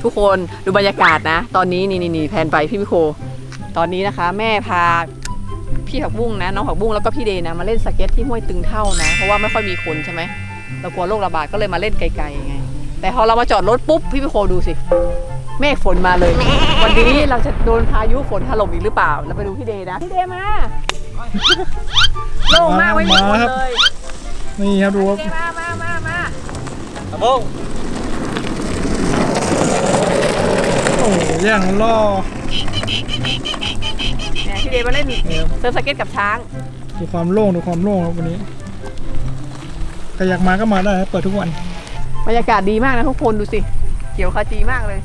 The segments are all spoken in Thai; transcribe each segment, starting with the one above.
ทุกคนดูบรรยากาศนะตอนนี้นี่แผนไปพี่พิโคตอนนี้นะคะแม่พาพี่ผักบุ้งนะน้องผักบุ้งแล้วก็พี่เดนะมาเล่นสเก็ตที่ห้วยตึงเท่านะเพราะว่าไม่ค่อยมีคนใช่ไหมเรากลัวโรคระบาดก็เลยมาเล่นไกลๆไงแต่พอเรามาจอดรถปุ๊บพี่พิโคดูสิเมฆฝนมาเลยวันนี้เราจะโดนพายุฝนถล่มอีกหรือเปล่าเราไปดูพี่เดนะพี่เดมาโล่งมากไม่มีคนเลยนี่ครับดูครับมาครับผมโอ้ย่างล่อเนี่ยพี่เดมาเล่นเซิร์ฟสเก็ตกับช้างดูความโล่งครับวันนี้ใครอยากมาก็มาได้ครับเปิดทุกวันบรรยากาศดีมากนะทุกคนดูสิเขียวขจีมากเลย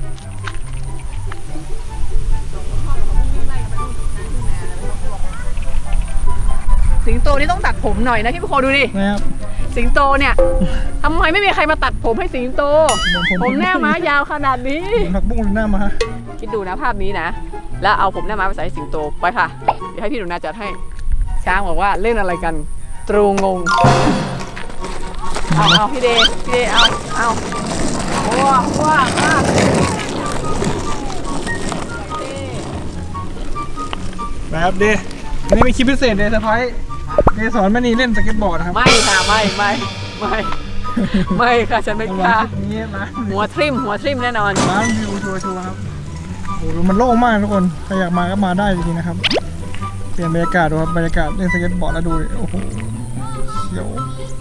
สิงโตนี่ต้องตัดผมหน่อยนะพี่พี่โคดูดินะครับสิงโตเนี่ยทำไมไม่มีใครมาตัดผมให้สิงโตผมหน้าม้ายาวขนาดนี้ผักบุ้งหน้าม้าคิดดูนะภาพนี้นะแล้วเอาผมหน้าม้าไปใส่สิงโตไปค่ะเดี๋ยวให้พี่หนูนาจัดให้ช้างบอกว่าเล่นอะไรกันตรูงงเอาพี่เดเอาว้าวแบบเดย์วันนี้มีคลิปพิเศษเดย์เซอร์ไพรส์เดย์สอนแม่นีเล่นสเก็ตบอร์ดนะครับไม่ค่ะไม่ค่ะฉันไม่กล้าหัวทริมแน่นอนร้านวิวชัวร์ครับโอ้โหมันโล่งมากทุกคนใครอยากมาก็มาได้จริงๆนะครับเปลี่ยนบรรยากาศดูครับบรรยากาศเล่นสเก็ตบอร์ดแล้วดูโอ้โหเขียว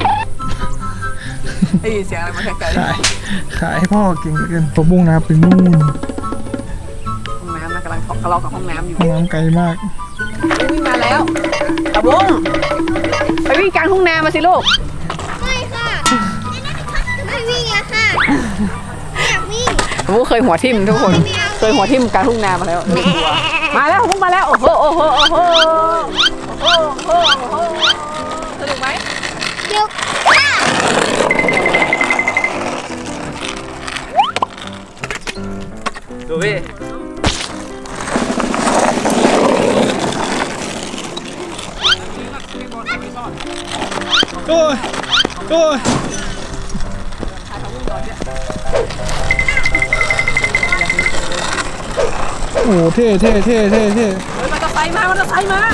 ได้ยินเสียงอะไรมาไกลขายให้พ่อเก่งเหลือเกินผมบุ้งนะครับเป็นนู่นห้องน้ำนะกำลังทะเลาะกับห้องน้ำอยู่ห้องน้ำไกลมากวิ่งมาแล้วตะบุ้งไปวิ่งกลางทุ่งนามาสิลูกไม่ค่ะไม่วิ่งอะค่ะไม่อยากวิ่งตะบุ้งเคยหัวทิ่มทุกคนเคยหัวทิ่มกลางทุ่งนามาแล้วมาแล้วพุ่งมาแล้วโอ้โหสนุกไหมเดี๋ยวดูพี่โอ้ยโอ้เท่เฮ้ยมอเตอร์ไซค์มาเร็วมอเตอร์ไซค์มา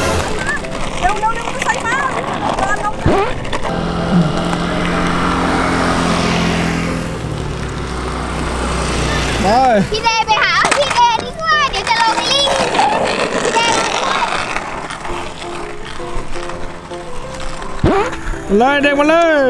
พี่เดย์ไปหาพี่เดย์ดีกว่าเดี๋ยวจะลงลิงพี่เดย์เลยเด็กมาเลย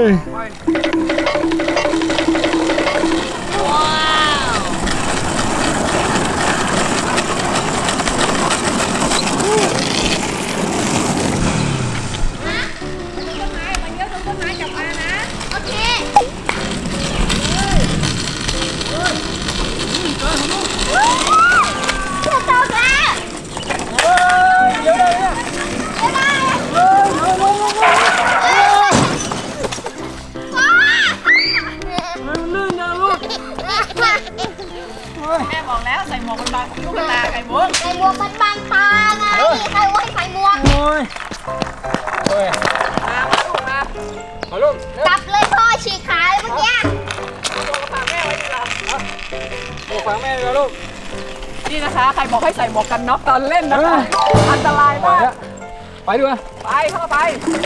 แม่บอกแล้วใส่หมวกมันบังลูกตาไก่บุ้งใส่หมวกมันบังตาไงใครว่าให้ใส่หมวกมาลูกกลับเลยพ่อฉีกขาเลยเมื่อกี้ฝากแม่ไว้ดีกว่าฟังแม่เลยลูกนี่นะคะใครบอกให้ใส่หมวกกันน็อกตอนเล่นนะคะอันตรายมากไปดูนะไปเข้าไป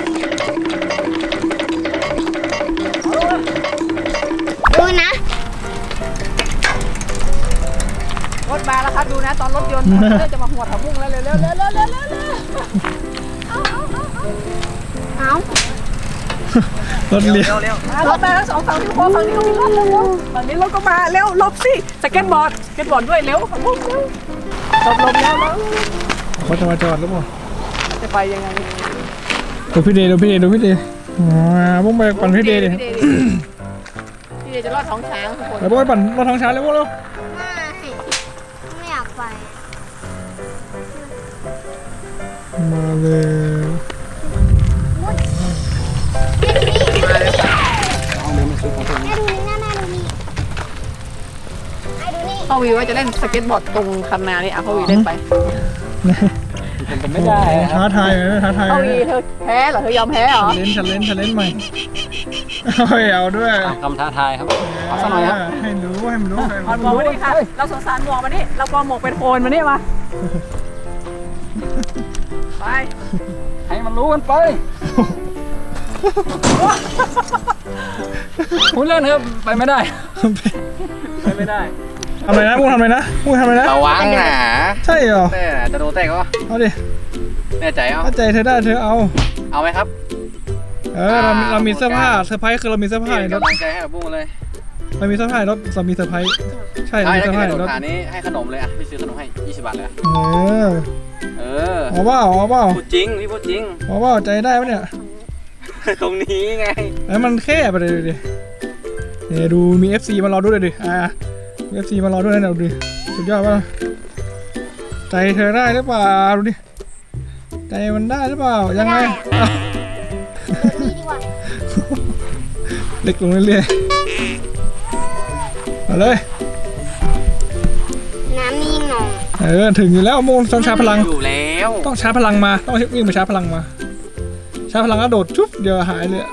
ดูนะรถมาแล้วครับดูนะตอนรถยนต์จะมาหัวถังบุ้งแล้วเร็วเอารถเลี้ยวรถมาทั้งสองฝั่งที่โค้งฝั่งนี้ก็มีรถเร็วฝั่งนี้รถก็มาเร็วหลบสิสเก็ตบอร์ดด้วยเร็วถังบุ้งเร็วหลบแล้วเขาจะมาจอดหรือเปล่าจะไปยังไงดูพี่เดย์บุ้งไปปั่นพี่เดย์ดิพี่เดย์จะรอดท้องช้างทุกคนแล้วบุ้งไปปั่นรถท้องช้างเลยบุ้งเร็วไม่อยากไปมาเลยพ่อวีว่าจะเล่นสเก็ตบอร์ดตรงคันนานี่พ่อวีเล่นไปเป็นไม่ได้คท้ารับทายเลยท้าทายเอาเลอียเธอแพ้เหรอเธอยอมแพ้เหรอฉันเล่นใหม่เอาด้วยคำท้าทายครับเอาสักหน่อยครับให้รู้ให้มันรู้เอาหมวกมานี่ค่ะเราสงสารหมวกมานี่เรากลัวหมวกเป็นโคนมานี่มาไปให้มันรู้กันไปพูดเล่นครับไปไม่ได้ไปไม่ได้ทำอะไรนะมูทำอะไรนะมูทำอะไรนะระวังนะใช่เหรอแต่จะโดนแตกก็เอาดิแน่ใจเอาถ้าใจเธอได้เธอเอาเอาไหมครับเรามีเสื้อผ้าเซอร์ไพรส์คือเรามีเสื้อผ้าในรถกำลังใจให้กับบุ้งเลยเรามีเสื้อผ้าในรถเรามีเซอร์ไพรส์ใช่เราใช่มีถ้าเสื้อเกิผ้าดในโดรนถขานี้ให้ขนมเลยอ่ะพี่ซื้อขนมให้20 บาทเลยเออเออเอาเปล่าพูดจริงพี่พูดจริงเอาเปล่าใจได้ปะเนี่ยตรงนี้ไงแล้วมันแค่ไปเลยดิเนี่ยดูมี FC มารอด้วยเลยดิมี FC มารอด้วยนะดูดิสุดยอดป่ะใจเธอได้หรือเปล่าดูดิใจมันได้หรือเปล่ายังไงอ้าวนี่ดีกว่าเล็กลงเรื่อยๆมาเลยน้ำนิ่งหน่อยถึงอยู่แล้วโมงต้องชาร์จพลังอยู่แล้วต้องชาร์จพลังมาต้องวิ่งไปชาร์จพลังมาชาร์จพลังแล้วโดดชุบเดี๋ยวหายเลยอะ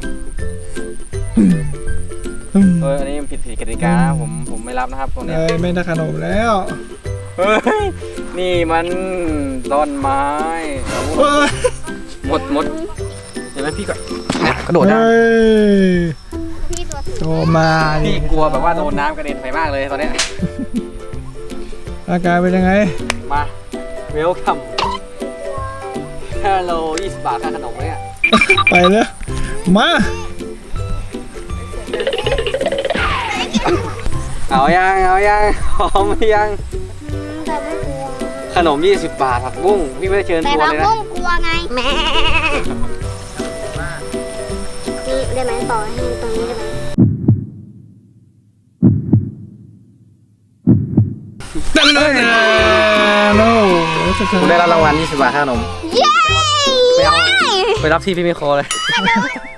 อันนี้มันผิดกติกานะผมไม่รับนะครับตรงนี้ไม่ได้ขนมแล้วเฮ้ยนี่มันต้นไม้เฮ้ยหมดเห็นไหมพี่ก็กระโดดได้เฮ้ยพี่ตัวสูงโตมาพี่กลัวแบบว่าโดนน้ำกระเด็นไปมากเลยตอนเนี้ยอาการเป็นยังไงมาเวลคัมฮัลโหล20 บาทค่าขนมเนี่ยไปเลยมาเอายังหอมยังแต่ไม่กลัวขนม20 บาทผักบุ้งพี่ไม่ได้เชิญแต่ชวนเราเลยนะต้องกลัวไงแม่นี่ได้ไหมต่อให้ตรงนี้ได้ไหมนั่นเลยโน้คุณได้รับรางวัล20 บาทค่าขนมเย้ไปรับที่พี่มิโครเลยแต่